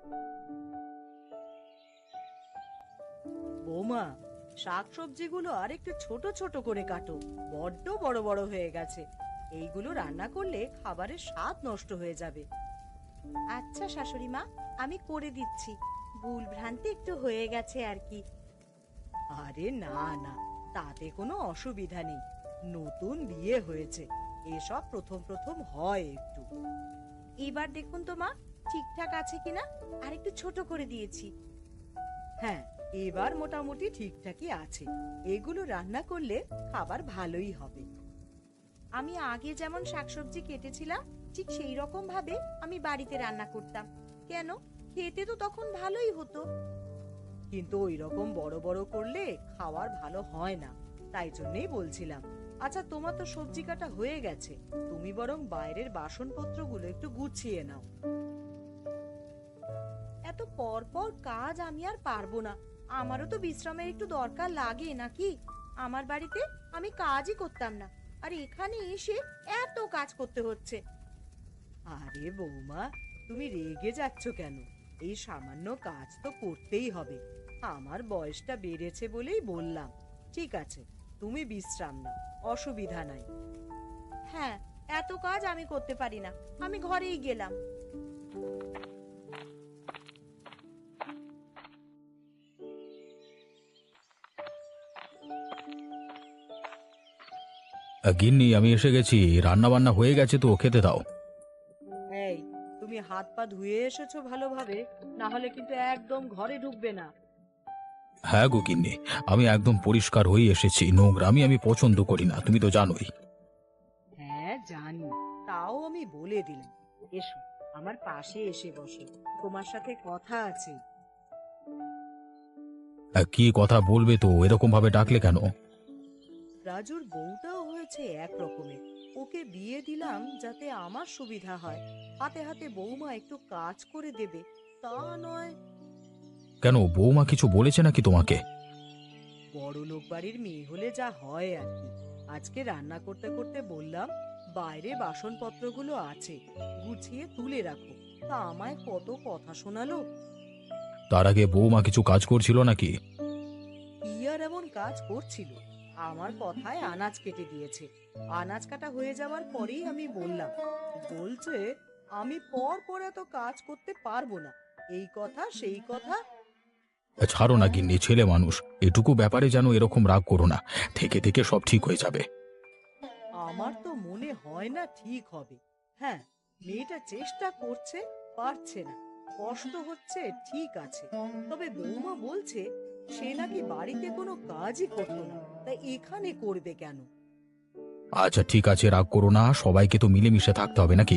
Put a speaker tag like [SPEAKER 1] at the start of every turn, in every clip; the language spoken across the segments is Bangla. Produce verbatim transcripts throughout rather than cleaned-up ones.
[SPEAKER 1] বৌমা, শাকসবজিগুলো আর একটু ছোট ছোট করে কাটো, বড্ড বড় বড় হয়ে গেছে। এইগুলো রান্না করলে খাবারের স্বাদ নষ্ট হয়ে যাবে। আচ্ছা শাশুড়ি মা, আমি করে দিচ্ছি। ভুল ভ্রান্তি একটু হয়ে গেছে আর কি। আরে না না, তাতে কোনো অসুবিধা নেই। নতুন বিয়ে হয়েছে, এসব প্রথম প্রথম হয় একটু। এবার দেখুন তো মা, ঠিকঠাক আছে কিনা। আর একটু ছোট করে দিয়েছি। হ্যাঁ, এবার মোটামুটি ঠিকঠাকই আছে। এগুলো রান্না করলে খাবার ভালোই হবে। আমি আগে যেমন শাকসবজি কেটেছিলাম ঠিক সেই রকম ভাবে আমি বাড়িতে রান্না করতাম। কেন, খেতে তো তখন ভালোই হতো। কিন্তু ওই রকম বড় বড় করলে খাওয়ার ভালো হয় না, তাই জন্যই বলছিলাম। আচ্ছা, তোমার তো সবজি কাটা হয়ে গেছে, তুমি বরং বাইরের বাসনপত্রগুলো একটু গুছিয়ে নাও। এত পর পর কাজ আমি আর পারবো না। আমারও তো বিশ্রামের একটু দরকার লাগে নাকি। আমার বাড়িতে আমি কাজই করতাম না, আর এখানে এসে এত কাজ করতে হচ্ছে। আরে বৌমা, তুমি রেগে যাচ্ছ কেন? এই সামান্য কাজ তো করতেই হবে। আমার বয়সটা বেড়েছে বলেই বললাম। ঠিক আছে, তুমি বিশ্রাম নাও, অসুবিধা নাই। হ্যাঁ, এত কাজ আমি করতে পারি না, আমি ঘরেই গেলাম।
[SPEAKER 2] আহ, গিন্নি, আমি এসে গেছি। রান্না বান্না হয়ে গেছে তো, খেতে দাও।
[SPEAKER 1] এই, তুমি হাত পা ধুয়ে এসেছো ভালোভাবে, না হলে কিন্তু একদম ঘরে ঢুকবে না।
[SPEAKER 2] হ্যাঁ গো গিন্নি, আমি একদম পরিষ্কার হয়ে এসেছি। নোংরামি আমি পছন্দ করি না, তুমি তো জানোই।
[SPEAKER 1] হ্যাঁ জানি, তাও আমি বলে দিলাম। এসো, আমার পাশে এসে বসো, তোমার সাথে কথা আছে।
[SPEAKER 2] আহ, কি কথা বলবে তো? এরকম ভাবে ডাকলে কেন?
[SPEAKER 1] রাজুর বউটাও হয়েছে এক রকমের। ওকে বিয়ে দিলাম যাতে আমার সুবিধা হয়, হাতে হাতে বৌমা একটু কাজ করে দেবে, তা নয়।
[SPEAKER 2] কেন, বৌমা কিছু বলেছে নাকি তোমাকে?
[SPEAKER 1] বড় লোক বাড়ির মেয়ে হলে যা হয় আর কি। আজকে রান্না করতে করতে বললাম, বাইরে বাসনপত্রগুলো আছে, গুছিয়ে তুলে রাখো। তা আমায় কত কথা শোনালো।
[SPEAKER 2] তার আগে বৌমা কিছু কাজ করছিল নাকি?
[SPEAKER 1] কি আর এমন কাজ করছিল, আমার কথায় আনাজ কেটে দিয়েছে। আনাজ কাটা হয়ে যাওয়ার পরেই আমি বললাম, বলছে আমি পর পর এত কাজ করতে পারবো না, এই কথা সেই কথা।
[SPEAKER 2] আহ, ছাড়ো না গিন্নি, ছেলে মানুষ। এটুকু ব্যাপারে যেন এরকম রাগ করো না, থেকে থেকে সব ঠিক হয়ে যাবে।
[SPEAKER 1] আমার তো মনে হয় না ঠিক হবে। হ্যাঁ, মেয়েটা চেষ্টা করছে, পারছে না, কষ্ট হচ্ছে, ঠিক আছে। তবে বৌমা বলছে সে নাকি বাড়িতে কোনো কাজই করতো না, তাই এখানে করবে কেন?
[SPEAKER 2] আচ্ছা ঠিক আছে, রাগ করো না, সবাইকে তো মিলেমিশে থাকতে হবে নাকি?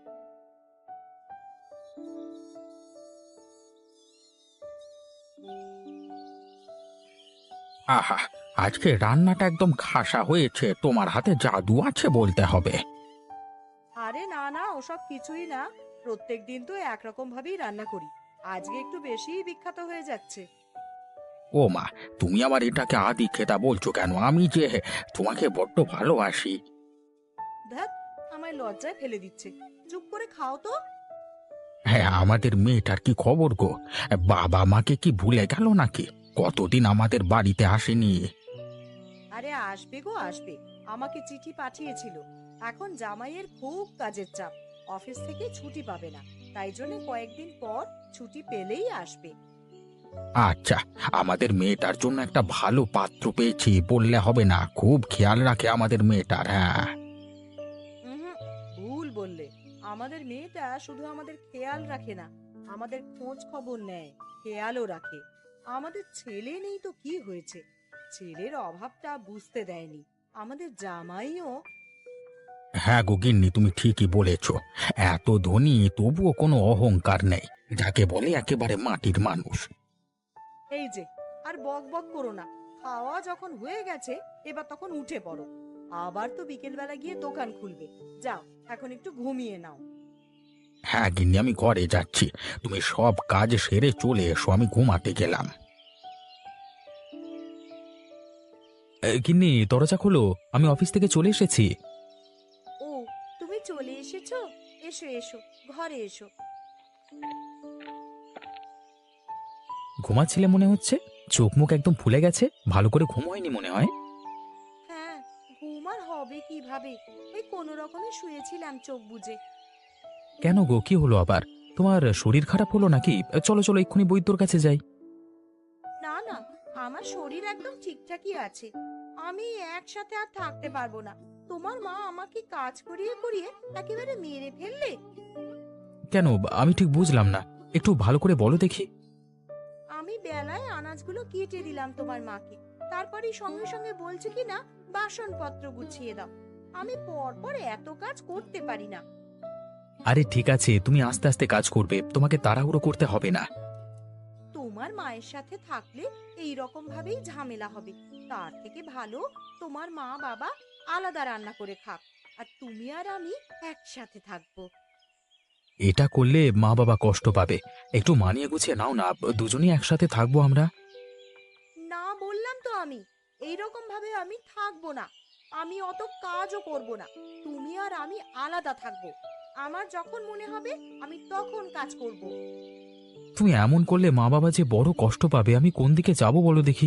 [SPEAKER 2] আহা, আজকে রান্নাটা একদম খাসা হয়েছে। তোমার হাতে জাদু আছে বলতে হবে।
[SPEAKER 1] আরে না না, ওসব কিছুই না। প্রত্যেক দিন তো একরকম ভাবেই রান্না করি, আজকে একটু বেশিই বিখ্যাত হয়ে যাচ্ছে।
[SPEAKER 2] ও মা, তুমি আবার এটাকে আদি খেতা বলছো কেন? আমি যে তোমাকে বড্ড ভালোবাসি।
[SPEAKER 1] ধ্যাত, আমায় লজ্জায় ফেলে দিচ্ছে। চুপ করে খাও তো।
[SPEAKER 2] হ্যাঁ, আমাদের মেয়েটার কি খবর গো? বাবা মাকে কি ভুলে গেল নাকি? কতদিন আমাদের বাড়িতে আসেনি।
[SPEAKER 1] আরে আসবে গো আসবে, আমাকে চিঠি পাঠিয়েছিল। এখন জামাইয়ের খুব কাজের চাপ, অফিস থেকে ছুটি পাবে না, তাই জন্য কয়েকদিন পর ছুটি পেলেই আসবে।
[SPEAKER 2] আচ্ছা, আমাদের মেয়েটার জন্য একটা ভালো পাত্র পেয়েছি বললে হবে না? খুব খেয়াল রাখে আমাদের মেয়েটার। হ্যাঁ।
[SPEAKER 1] হুম, ভুল বললে। আমাদের মেয়েটা শুধু আমাদের খেয়াল রাখে না, আমাদের খোঁজ খবর নেয়, খেয়ালও রাখে। আমাদের ছেলে নেই তো কি হয়েছে, ছেলের অভাবটা বুঝতে দেয়নি আমাদের জামাইও।
[SPEAKER 2] হ্যাঁ গো গিন্নি, তুমি ঠিকই বলেছ। এত ধনী তবুও কোনো অহংকার নেই, যাকে বলে একেবারে মাটির মানুষ।
[SPEAKER 1] এই যে, আর বক বক করো না। খাওয়া যখন হয়ে গেছে, এবার তখন উঠে পড়ো। আবার তো বিকেল বেলা গিয়ে দোকান খুলবে। যাও, এখন একটু ঘুমিয়ে নাও।
[SPEAKER 2] হ্যাঁ গিন্নি, আমি ঘরে যাচ্ছি। তুমি সব কাজ সেরে চলে এসো, আমি ঘুমাতে গেলাম। এ, গিন্নি দরজা খোলো, আমি অফিস থেকে চলে এসেছি।
[SPEAKER 1] ও, তুমি চলে এসেছো? এসো এসো, ঘরে এসো।
[SPEAKER 2] ঘুমাচ্ছিলে মনে হচ্ছে, চোখ মুখ একদম ফুলে গেছে, ভালো করে ঘুম হয়নি মনে হয়।
[SPEAKER 1] হ্যাঁ, ঘুম আর হবে কিভাবে, ওই কোনো রকমে শুয়েছিলাম চোখ বুজে।
[SPEAKER 2] কেন গো, কি হলো আবার? তোমার শরীর খারাপ হলো নাকি? চলো চলো এক্ষুনি বৈদ্যর কাছে যাই।
[SPEAKER 1] না না, আমার শরীর একদম ঠিকঠাকই আছে। আমি একসাথে আর থাকতে পারবো না। তোমার মা আমাকে কাজ করিয়ে করিয়ে একেবারে মেরে ফেললে।
[SPEAKER 2] কেন, আমি ঠিক বুঝলাম না, একটু ভালো করে বলো দেখি।
[SPEAKER 1] আমি বেলায় আনাজগুলো কেটে দিলাম তোমার মাকে, তারপরেই সঙ্গে সঙ্গে বলছে কি না বাসনপত্র গুছিয়ে দাও। আমি পরপর এত কাজ করতে পারি না।
[SPEAKER 2] আরে ঠিক আছে, তুমি আস্তে আস্তে কাজ করবে, তোমাকে তাড়াহুড়ো করতে হবে না।
[SPEAKER 1] তোমার মায়ের সাথে থাকলে এই রকম ভাবেই ঝামেলা হবে। তার থেকে ভালো তোমার মা বাবা আলাদা রান্না করে খাক, আর তুমি আর আমি একসাথে থাকবো।
[SPEAKER 2] এটা করলে মা বাবা কষ্ট পাবে, একটু মানিয়ে গুছিয়ে নাও না, দুজনেই একসাথে থাকবো আমরা।
[SPEAKER 1] না বললাম তো, আমি এই রকম ভাবে আমি থাকবো না। আমি অত কাজও করব না। তুমি আর আমি আলাদা থাকবো। আমার যখন মনে হবে আমি তখন কাজ করব।
[SPEAKER 2] তুমি এমন করলে মা বাবা যে বড় কষ্ট পাবে, আমি কোন দিকে যাব বলো দেখি।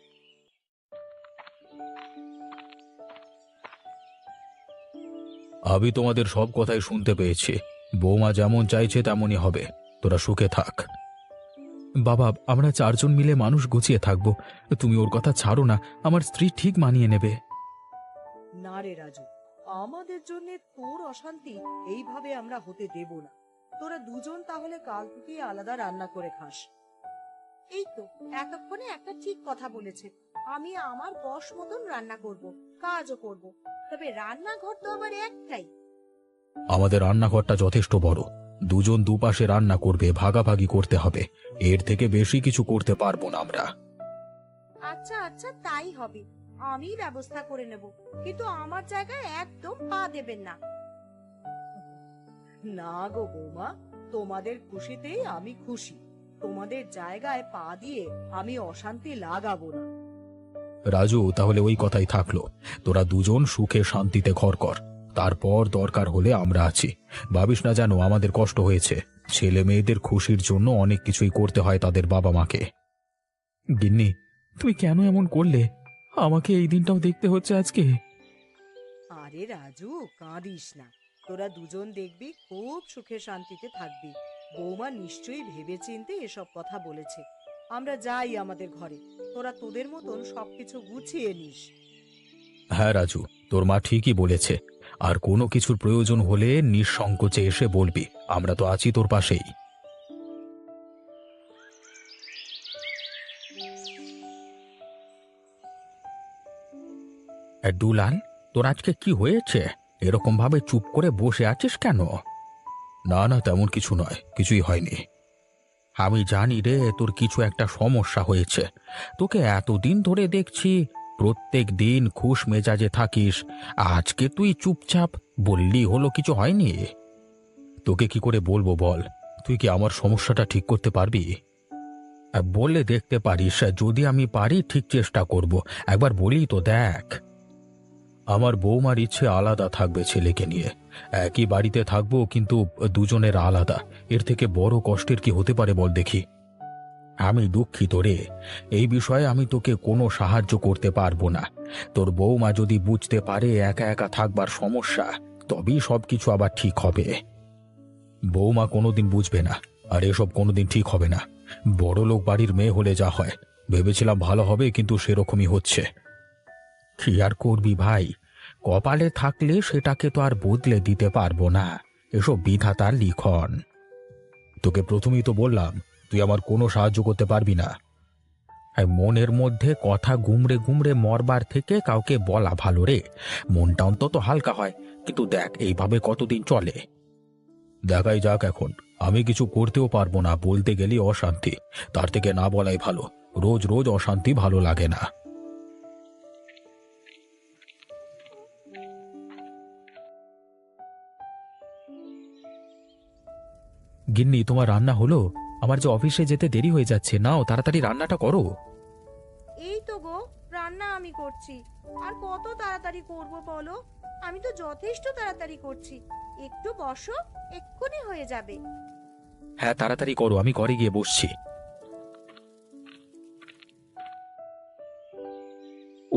[SPEAKER 2] আমি তোমাদের সব কথাই শুনতে পেয়েছি, বৌমা যেমন চাইছে তেমনই হবে, তোরা সুখে থাক। বাবা, আমরা চারজন মিলে মানুষ গুছিয়ে থাকবো, তুমি ওর কথা ছাড়ো না, আমার স্ত্রী ঠিক মানিয়ে নেবে।
[SPEAKER 1] না রে রাজু, আমাদের জন্য তোর অশান্তি এইভাবে আমরা হতে দেব না। তোরা দুজন তাহলে কাল থেকে আলাদা রান্না করে খাস। এই তো এতক্ষণে একটা ঠিক কথা বলেছে। আমি আমার বশ মতন রান্না করব, কাজও করব। তবে রান্নাঘর তো আবার একটাই।
[SPEAKER 2] আমাদের রান্নাঘরটা যথেষ্ট বড়, দুজন দুপাশে রান্না করবে, ভাগাভাগি করতে হবে, এর থেকে বেশি কিছু করতে পারবো না আমরা।
[SPEAKER 1] আচ্ছা আচ্ছা, তাই হবে। আমি ব্যবস্থা করে নেব, কিন্তু আমার জায়গায় একদম পা দেবেন না। না গো বৌমা, তোমাদের খুশিতেই আমি খুশি। তোমাদের জায়গায় পা দিয়ে আমি অশান্তি লাগাবো না।
[SPEAKER 2] রাজু, তাহলে ওই কথাই থাকলো, তোরা দুজন সুখে শান্তিতে ঘর কর, তারপর দরকার হলে আমরা আছি। ভাবিস না জানো আমাদের কষ্ট হয়েছে, ছেলে মেয়েদের খুশির জন্য অনেক কিছুই করতে হয় তাদের বাবা মাকে। গিন্নি, তুমি কেন এমন করলে? আমাকে এই দিনটাও দেখতে হচ্ছে আজকে।
[SPEAKER 1] আরে রাজু, কাঁদিস না। তোরা দুজন দেখবি খুব সুখে শান্তিতে থাকবি। বৌমা নিশ্চয়ই ভেবেচিন্তে এসব কথা বলেছে। আমরা যাই আমাদের ঘরে, তোরা তোদের মতন সবকিছু গুছিয়ে নিস।
[SPEAKER 2] হ্যাঁ রাজু, তোর মা ঠিকই বলেছে, আর কোনো কিছুর প্রয়োজন হলে নিঃসংকোচে এসে বলবি, আমরা তো আছি তোর পাশেই। এ, দুলাল, তোর আজকে কি হয়েছে? এরকম ভাবে চুপ করে বসে আছিস কেন? না না, তেমন কিছু নয়, কিছুই হয়নি। আমি জানি রে, তোর কিছু একটা সমস্যা হয়েছে। তোকে এতদিন ধরে দেখছি প্রত্যেক দিন খুশ মেজাজে থাকিস, আজকে তুই চুপচাপ, বললি হলো কিছু হয়নি? তোকে কি করে বলবো বল, তুই কি আমার সমস্যাটা ঠিক করতে পারবি? আহ, বলে দেখতে পারিস, যদি আমি পারি ঠিক চেষ্টা করব, একবার বলি তো দেখ। আমার বৌমার ইচ্ছে আলাদা থাকবে ছেলেকে নিয়ে, একই বাড়িতে থাকবো কিন্তু দুজনের আলাদা, এর থেকে বড় কষ্টের কি হতে পারে বল দেখি। আমি দুঃখিত রে, এই বিষয়ে আমি তোকে কোনো সাহায্য করতে পারবো না। তোর বৌমা যদি বুঝতে পারে একা একা থাকবার সমস্যা, তবেই সবকিছু আবার ঠিক হবে। বৌমা কোনোদিন বুঝবে না, আর এসব কোনোদিন ঠিক হবে না। বড় লোক বাড়ির মেয়ে হলে যা হয়, ভেবেছিলাম ভালো হবে, কিন্তু সেরকমই হচ্ছে। কি আর করবি ভাই, কপালে থাকলে সেটাকে তো আর বদলে দিতে পারবো না, এসব বিধাতার লিখন। তোকে প্রথমেই তো বললাম, তুই আমার কোনো সাহায্য করতে পারবি না। আর মনের মধ্যে কথা গুমড়ে গুমড়ে মরবার থেকে কাউকে বলা ভালো রে, মনটা অন্তত হালকা হয়। কিন্তু দেখ এইভাবে কতদিন চলে, দেখাই যাক। এখন আমি কিছু করতেও পারবো না, বলতে গেলে অশান্তি, তার থেকে না বলাই ভালো। রোজ রোজ অশান্তি ভালো লাগে না। গিন্নি, তোমার রান্না হলো? আমার যে অফিসে যেতে দেরি হয়ে যাচ্ছে, নাও তাড়াতাড়ি রান্নাটা করো।
[SPEAKER 1] এই তো গো, রান্না আমি করছি। আর কত তাড়াতাড়ি করব বলো? আমি তো যথেষ্ট তাড়াতাড়ি করছি। একটু বসো, এক্ষুনি হয়ে যাবে।
[SPEAKER 2] হ্যাঁ তাড়াতাড়ি করো, আমি ঘরে গিয়ে বসছি।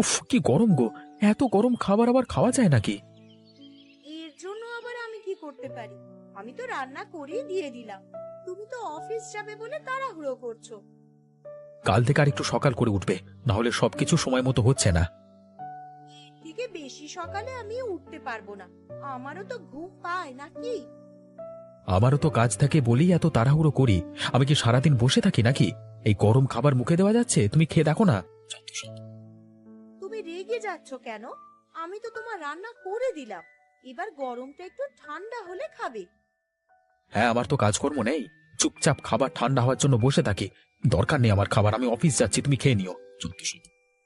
[SPEAKER 2] উফ, কি গরম গো! এত গরম খাবার আবার খাওয়া যায় নাকি?
[SPEAKER 1] এর জন্য আবার আমি কি করতে পারি? আমি তো রান্না করেই দিয়ে দিলাম। তুমি তো অফিস যাবে বলে তাড়াহুড়ো করছো।
[SPEAKER 2] কাল থেকে আর একটু সকাল করে উঠবে, না হলে সবকিছু সময় মতো হচ্ছে না।
[SPEAKER 1] এর থেকে বেশি সকালে আমি উঠতে পারবো না। আমারও তো ঘুম পায় নাকি?
[SPEAKER 2] আমারও তো কাজ থাকে বলেই এত তাড়াহুড়ো করি। আমি কি সারাদিন বসে থাকি নাকি? এই গরম খাবার মুখে দেওয়া যাচ্ছে? তুমি খেয়ে দেখো না।
[SPEAKER 1] তুমি রেগে যাচ্ছ কেন? আমি তো তোমার রান্না করে দিলাম। এবার গরমটা একটু ঠান্ডা হলে খাবে।
[SPEAKER 2] হ্যাঁ, আমার তো কাজকর্ম নেই। চুপচাপ খাবার ঠান্ডা হওয়ার জন্য বসে থাকি। দরকার নেই আমার খাবার, আমি অফিস যাচ্ছি, তুমি খেয়ে নিও। চুপটি শুধু।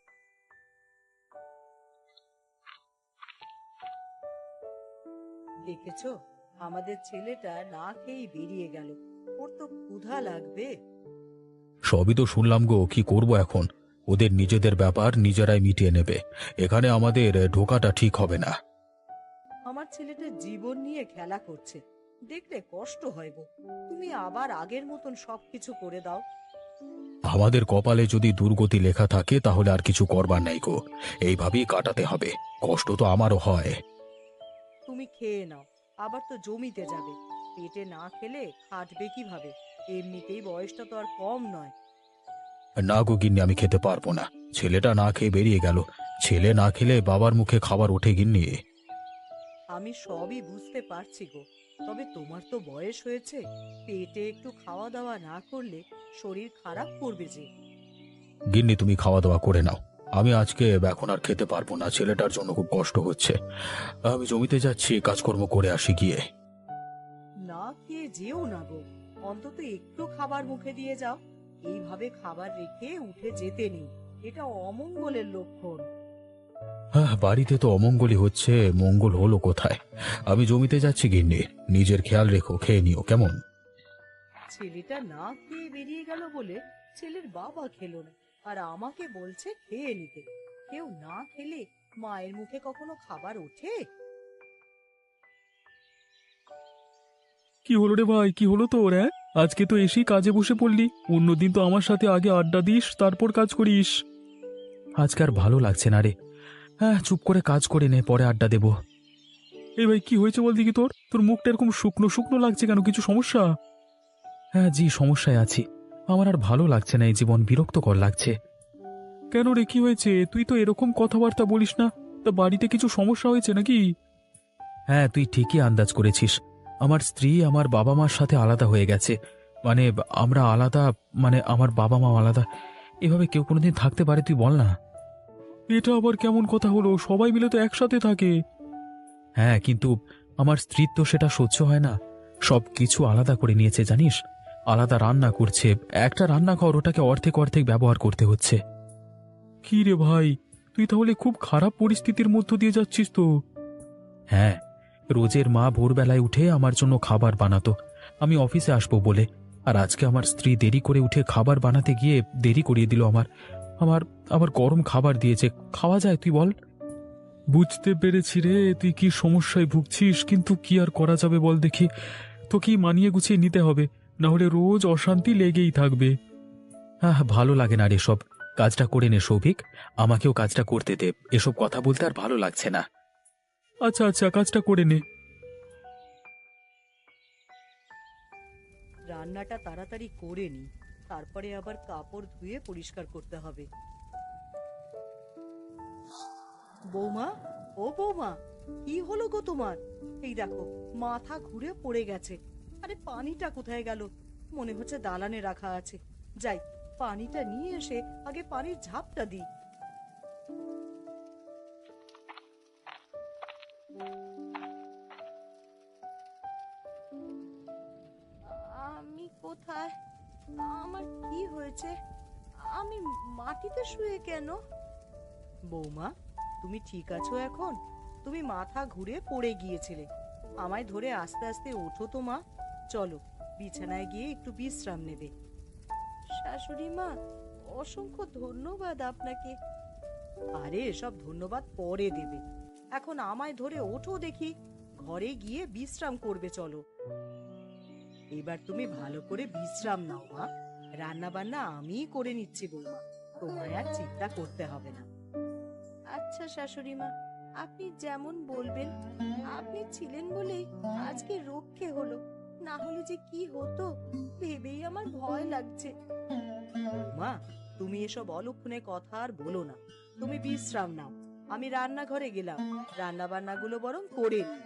[SPEAKER 1] দেখেছো, আমাদের ছেলেটা না খেয়েই বেরিয়ে গেল। ওর তো ক্ষুধা লাগবে।
[SPEAKER 2] সবই তো শুনলাম গো, কি করব এখন? ওদের নিজেদের ব্যাপার নিজেরাই মিটিয়ে নেবে। এখানে আমাদের ঢোকাটা ঠিক হবে না।
[SPEAKER 1] আমার ছেলেটা জীবন নিয়ে খেলা করছে, দেখলে কষ্ট হয় গো। তুমি আবার আগের মতন সবকিছু করে দাও।
[SPEAKER 2] আমাদের কপালে যদি দুর্গতি লেখা থাকে তাহলে আর কিছু করবার নাই গো। এইভাবেই কাটাতে হবে। কষ্ট তো আমারও হয়।
[SPEAKER 1] তুমি খেয়ে নাও, আবার তো জমিতে যাবে। পেটে না খেলে খাটবে কিভাবে? এমনিতেই বয়সটা তো আর কম নয়।
[SPEAKER 2] না গো গিন্নি, আমি খেতে পারবো না। ছেলেটা না খেয়ে বেরিয়ে গেল। ছেলে না খেলে বাবার মুখে খাবার ওঠে গিন্নি?
[SPEAKER 1] আমি সবই বুঝতে পারছি গো, তবে তোমার তো বয়স হয়েছে। পেটে একটু খাওয়া দাওয়া না করলে শরীর খারাপ করবে যে।
[SPEAKER 2] গিন্নি, তুমি খাওয়া দাওয়া করে নাও। আমি আজকে এখন আর খেতে পারবো না, ছেলেটার জন্য খুব কষ্ট হচ্ছে। আমি জমিতে যাচ্ছি, কাজকর্ম করে আসি গিয়ে।
[SPEAKER 1] না খেয়ে যেও না গো, অন্তত একটু খাবার মুখে দিয়ে যাও। এইভাবে খাবার রেখে উঠে যেতে নেই, এটা অমঙ্গলের লক্ষণ।
[SPEAKER 2] হ্যাঁ, বাড়িতে তো অমঙ্গলই হচ্ছে, মঙ্গল হলো কোথায়? আমি জমিতে যাচ্ছি গিন্নি। নিজের খেয়াল রেখো, খেয়ে নিও কেমন?
[SPEAKER 1] ছেলেটা না খেয়ে বেরিয়ে গেল বলে ছেলের বাবা খেলো না, আর আমাকে বলছে খেয়ে নিতে। কেউ না খেলে মায়ের মুখে কখনো খাবার ওঠে?
[SPEAKER 3] কি হলো রে ভাই, কি হলো তোর? হ্যাঁ, আজকে তো এসেই কাজে বসে পড়লি। অন্যদিন তো আমার সাথে আগে আড্ডা দিস, তারপর কাজ করিস।
[SPEAKER 2] আজকে আর ভালো লাগছে না রে। হ্যাঁ, চুপ করে কাজ করে নে, পরে আড্ডা দেবো।
[SPEAKER 3] এই ভাই, কি হয়েছে বল দেখি তোর? তোর মুখটা এরকম শুকনো শুকনো লাগছে কেন? কিছু সমস্যা?
[SPEAKER 2] হ্যাঁ জি, সমস্যায় আছি। আমার আর ভালো লাগছে না, এই জীবন বিরক্তকর লাগছে।
[SPEAKER 3] কেন রে, কি হয়েছে? তুই তো এরকম কথাবার্তা বলিস না। তা বাড়িতে কিছু সমস্যা হয়েছে নাকি?
[SPEAKER 2] হ্যাঁ, তুই ঠিকই আন্দাজ করেছিস। আমার স্ত্রী আমার বাবা মার সাথে আলাদা হয়ে গেছে। মানে আমরা আলাদা, মানে আমার বাবা মা আলাদা। এভাবে কেউ কোনোদিন থাকতে পারে তুই বল না?
[SPEAKER 3] এটা আবার কেমন কথা হলো? সবাই মিলে তো একসাথে থাকে।
[SPEAKER 2] হ্যাঁ, কিন্তু আমার স্ত্রীর তো সেটা সহ্য হয় না। সব কিছু আলাদা করে নিয়েছে জানিস। আলাদা রান্না করছে। একটা রান্নাঘর, ওটাকে অর্ধেক অর্ধেক ব্যবহার করতে হচ্ছে।
[SPEAKER 3] কি রে ভাই, তুই তাহলে খুব খারাপ পরিস্থিতির মধ্য দিয়ে যাচ্ছিস তো।
[SPEAKER 2] হ্যাঁ, রোজের মা ভোরবেলায় উঠে আমার জন্য খাবার বানাতো, আমি অফিসে আসবো বলে। আর আজকে আমার স্ত্রী দেরি করে উঠে খাবার বানাতে গিয়ে দেরি করিয়ে দিল আমার। আমার আবার গরম খাবার দিয়েছে, খাওয়া যায় তুই বল?
[SPEAKER 3] বুঝতে পেরেছি রে, তুই কি সমস্যায় ভুগছিস, কিন্তু কি আর করা যাবে বল দেখি। তোকেই মানিয়ে গুছিয়ে নিতে হবে, না হলে রোজ অশান্তি লেগেই থাকবে।
[SPEAKER 2] হ্যাঁ, ভালো লাগে না রে সব। কাজটা করে নে সৌভিক, আমাকেও কাজটা করতে দে। এসব কথা বলতে আর ভালো লাগছে না।
[SPEAKER 3] আচ্ছা আচ্ছা, কাজটা করে নে।
[SPEAKER 1] রান্নাটা তাড়াতাড়ি করে নি, তারপরে আবার কাপড় ধুয়ে পরিষ্কার করতে হবে। বৌমা, ও বৌমা, কি হলো গো তোমার? এই দেখো, মাথা ঘুরে পড়ে গেছে। আরে পানিটা কোথায় গেল? মনে হচ্ছে দালানে রাখা আছে। যাই, পানিটা নিয়ে এসে আগে পানির ঝাপটা দিই। আমি কোথায়? আমার কি হয়েছে? আমি মাটিতে শুয়ে কেন? বৌমা, তুমি ঠিক আছো এখন? তুমি মাথা ঘুরে পড়ে গিয়েছিলে। আমায় ধরে আস্তে আস্তে ওঠো তো মা। চলো, বিছানায় গিয়ে একটু বিশ্রাম নেবে। শাশুড়ি মা, অসংখ্য ধন্যবাদ আপনাকে। আরে এসব ধন্যবাদ পরে দেবে। এখন আমায় ধরে ওঠো দেখি, ঘরে গিয়ে বিশ্রাম করবে চলো। এবার তুমি ভালো করে বিশ্রাম নাও মা। রান্না বান্না আমিই করে নিচ্ছি বৌমা, তোমায় আর চিন্তা করতে হবে না। আচ্ছা শাশুড়ি মা, আপনি যেমন বলবেন। আপনি ছিলেন বলেই আজকে রক্ষে হলো, না হলে যে কি হতো ভেবেই আমার ভয় লাগছে। মা, তুমি এসব অলক্ষণে কথা আর বলো না। তুমি বিশ্রাম নাও, আমি রান্নাঘরে গেলাম, রান্না বান্নাগুলো বরং করে নিই।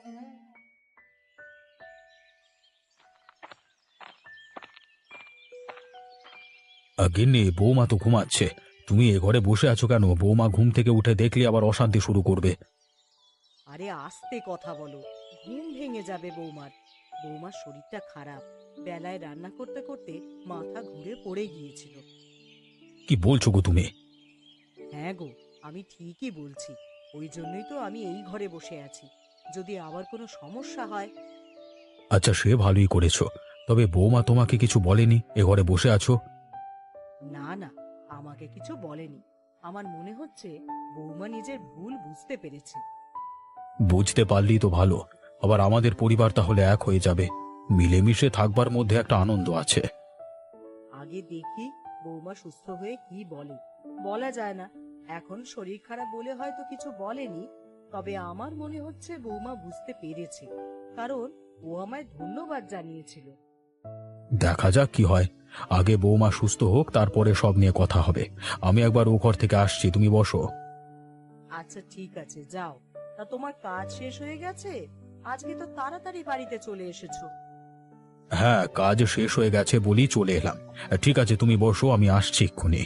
[SPEAKER 2] আ, গিন্নি, বৌমা তো ঘুমাচ্ছে। তুমি এ ঘরে বসে আছো কেন? বৌমা ঘুম থেকে উঠে দেখলে আবার অশান্তি শুরু করবে।
[SPEAKER 1] আরে আস্তে কথা বলো, ঘুম ভেঙে যাবে বৌমার। বৌমার শরীরটা খারাপ, বেলায় রান্না করতে করতে মাথা ঘুরে পড়ে গিয়েছিল।
[SPEAKER 2] কি বলছো গো তুমি?
[SPEAKER 1] হ্যাঁ গো, আমি ঠিকই বলছি। ওই জন্যই তো আমি এই ঘরে বসে আছি। যদি আবার কোনো সমস্যা হয়।
[SPEAKER 2] আচ্ছা, সে ভালোই করেছো। তবে বৌমা তোমাকে কিছু বলেনি এ ঘরে বসে আছো?
[SPEAKER 1] না না, আমাকে কিছু বলেনি। আমার মনে হচ্ছে বৌমা নিজের ভুল বুঝতে পেরেছে।
[SPEAKER 2] বুঝতে পারলেই তো ভালো। আবার আমাদের পরিবার তাহলে এক হয়ে যাবে। মিলেমিশে থাকবার মধ্যে একটা আনন্দ আছে।
[SPEAKER 1] আগে দেখি বৌমা সুস্থ হয়ে কি বলে। বলা যায় না, এখন শরীর খারাপ বলে হয়তো কিছু বলেনি। তবে আমার মনে হচ্ছে বৌমা বুঝতে পেরেছে, কারণ ও আমায় ধন্যবাদ জানিয়েছিল।
[SPEAKER 2] দেখা যাক কি হয়। আগে বৌমা সুস্থ হোক, তারপরে সব নিয়ে কথা হবে। আমি একবার ও ঘর থেকে আসছি, তুমি বসো।
[SPEAKER 1] আচ্ছা ঠিক আছে, যাও। তা তোমার কাজ শেষ হয়ে গেছে? আজকে তো তাড়াতাড়ি বাড়িতে চলে এসেছো।
[SPEAKER 2] হ্যাঁ, কাজ শেষ হয়ে গেছে বলেই চলে এলাম। ঠিক আছে, তুমি বসো, আমি আসছি এক্ষুনি।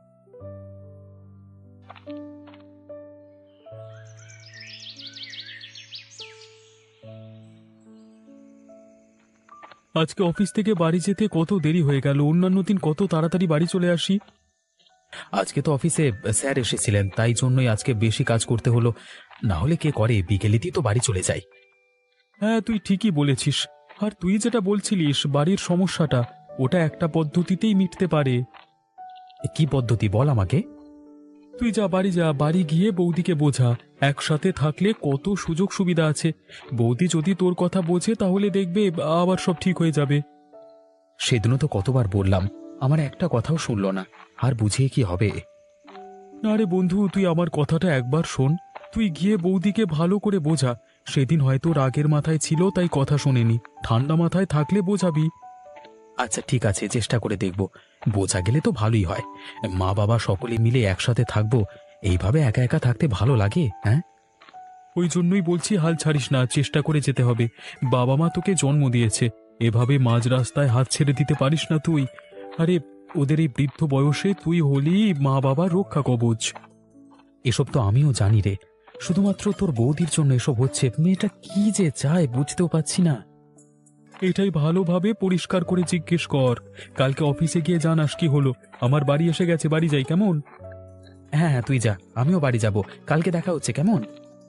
[SPEAKER 3] আজকে অফিস থেকে বাড়ি যেতে কত দেরি হয়ে গেল, অন্যান্য দিন কত তাড়াতাড়ি বাড়ি চলে আসি।
[SPEAKER 2] আজকে তো অফিসে স্যার এসেছিলেন, তাই জন্যই আজকে বেশি কাজ করতে হলো। না হলে কে করে, বিকেলেতেই তো বাড়ি চলে যাই।
[SPEAKER 3] হ্যাঁ, তুই ঠিকই বলেছিস। আর তুই যেটা বলছিলিস বাড়ির সমস্যাটা, ওটা একটা পদ্ধতিতেই মিটতে পারে।
[SPEAKER 2] কি পদ্ধতি বল আমাকে।
[SPEAKER 3] তুই যা, বাড়ি যা, বাড়ি গিয়ে বৌদিকে বোঝা একসাথে থাকলে কত সুযোগ সুবিধা আছে। বৌদি যদি তোর কথা বোঝে তাহলে দেখবে আবার সব ঠিক হয়ে যাবে।
[SPEAKER 2] সেদিনও তো কতবার বললাম, আমার একটা কথাও শুনলো না। আর বুঝিয়ে কি হবে?
[SPEAKER 3] না রে বন্ধু, তুই আমার কথাটা একবার শোন। তুই গিয়ে বৌদিকে ভালো করে বোঝা। সেদিন হয়তো রাগের মাথায় ছিল তাই কথা শোনেনি, ঠান্ডা মাথায় থাকলে বোঝাবি।
[SPEAKER 2] আচ্ছা ঠিক আছে, চেষ্টা করে দেখব। বোঝা গেলে তো ভালোই হয়। মা বাবা সকলে মিলে একসাথে থাকবো। এইভাবে একা একা থাকতে ভালো লাগে? হ্যাঁ,
[SPEAKER 3] ওই জন্যই বলছি, হাল ছাড়িস না, চেষ্টা করে যেতে হবে। বাবা মা তোকে জন্ম দিয়েছে, এভাবে মাঝ রাস্তায় হাত ছেড়ে দিতে পারিস না তুই। আরে, ওদের এই বৃদ্ধ বয়সে তুই হলি মা বাবার রক্ষা কবচ।
[SPEAKER 2] এসব তো আমিও জানি রে। শুধুমাত্র তোর বৌদির জন্য এসব হচ্ছে। মেয়েটা কি যে চায় বুঝতেও পারছি না।
[SPEAKER 3] এটাই ভালোভাবে পরিষ্কার করে জিজ্ঞেস কর। কালকে অফিসে গিয়ে জানাস কি হলো। আমার বাড়ি এসে গেছে, বাড়ি যাই কেমন?
[SPEAKER 2] হ্যাঁ হ্যাঁ, তুই যা, আমিও বাড়ি যাব। কালকে দেখা হচ্ছে, কেমন?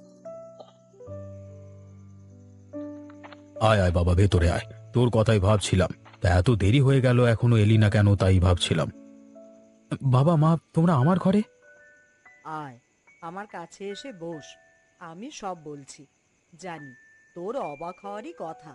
[SPEAKER 2] আয় আয় বাবা, ভেতরে আয়। তোর কথাই ভাবছিলাম, তা এত দেরি হয়ে গেল এখনো এলি না কেন, তাই ভাবছিলাম। বাবা মা, তোমরা আমার ঘরে?
[SPEAKER 1] আয়, আমার কাছে এসে বস। আমি সব বলছি। জানি তোর অবাক হওয়ারই কথা।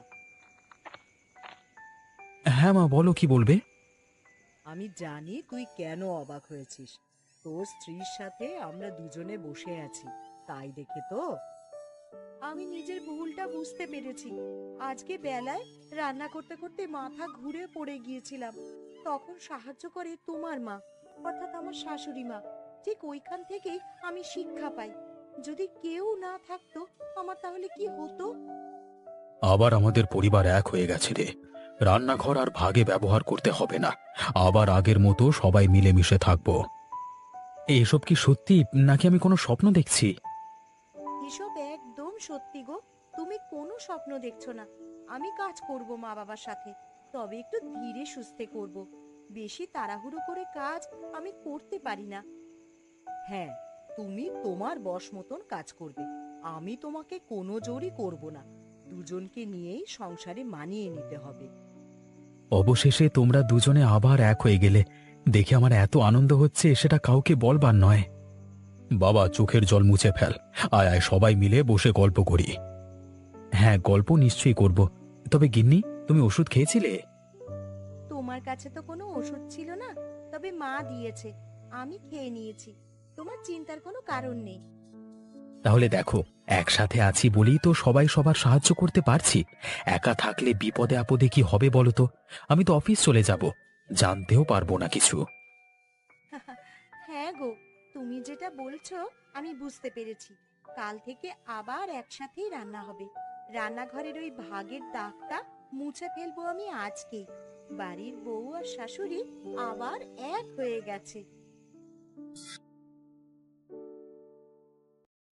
[SPEAKER 2] হ্যাঁ মা, বলো, কি বলবে?
[SPEAKER 1] আমি জানি তুই কেন অবাক হয়েছিস। তোর স্ত্রীর সাথে আমরা দুজনে বসে আছি, তাই দেখে তো। আমি নিজের ভুলটা বুঝতে পেরেছি। আজকে বেলায় রান্না করতে করতে মাথা ঘুরে পড়ে গিয়েছিলাম। তখন সাহায্য করে তোমার মা, অর্থাৎ আমার শাশুড়ি মা। ঠিক ওইখান থেকেই আমি শিক্ষা পাই। যদি কেউ না থাকতো আমার তাহলে কি হতো।
[SPEAKER 2] আবার আমাদের পরিবার এক হয়ে গেছে রে। রান্নাঘর আর ভাগে ব্যবহার করতে হবে না। আবার আগের মতো সবাই মিলেমিশে থাকবো। এসব কি সত্যি নাকি আমি কোনো স্বপ্ন দেখছি?
[SPEAKER 1] এসব একদম সত্যি গো। তুমি কোনো স্বপ্ন দেখছো না। আমি কাজ করব মা বাবার সাথে, তবে একটু ধীরে সুস্থে করব। বেশি তাড়াহুড়ো করে কাজ আমি করতে পারি না। হ্যাঁ, তুমি তোমার বশ মতন কাজ করবে। আমি তোমাকে কোনো জোরই করব না। দুজনকে নিয়েই সংসারে মানিয়ে নিতে হবে।
[SPEAKER 2] অবশেষে তোমরা দুজনে আবার এক হয়ে গেলে দেখে আমার এত আনন্দ হচ্ছে, সেটা কাউকে বলবার নয়। বাবা, চোখের জল মুছে ফেল। আয় আয়, সবাই মিলে বসে গল্প করি। হ্যাঁ, গল্প নিশ্চয়ই করব। তবে গিন্নি, তুমি ওষুধ খেয়েছিলে?
[SPEAKER 1] তোমার কাছে তো কোনো ওষুধ ছিল না, তবে মা দিয়েছে, আমি খেয়ে নিয়েছি। তোমার চিন্তার কোনো কারণ নেই।
[SPEAKER 2] তাহলে দেখো, একসাথে আছি বলেই তো সবাই সবার সাহায্য করতে পারছি। একা থাকলে বিপদে আপদে কি হবে বলো তো? আমি তো অফিস চলে যাব, জানতেও পারবো না কিছু।
[SPEAKER 1] হ্যাঁ গো, তুমি যেটা বলছো আমি বুঝতে পেরেছি। কাল থেকে আবার একসাথেই রান্না হবে। রান্নাঘরের ওই ভাগের দাগটা মুছে ফেলবো আমি আজকেই। বাড়ির বউ আর শাশুড়ি আবার এক হয়ে গেছে।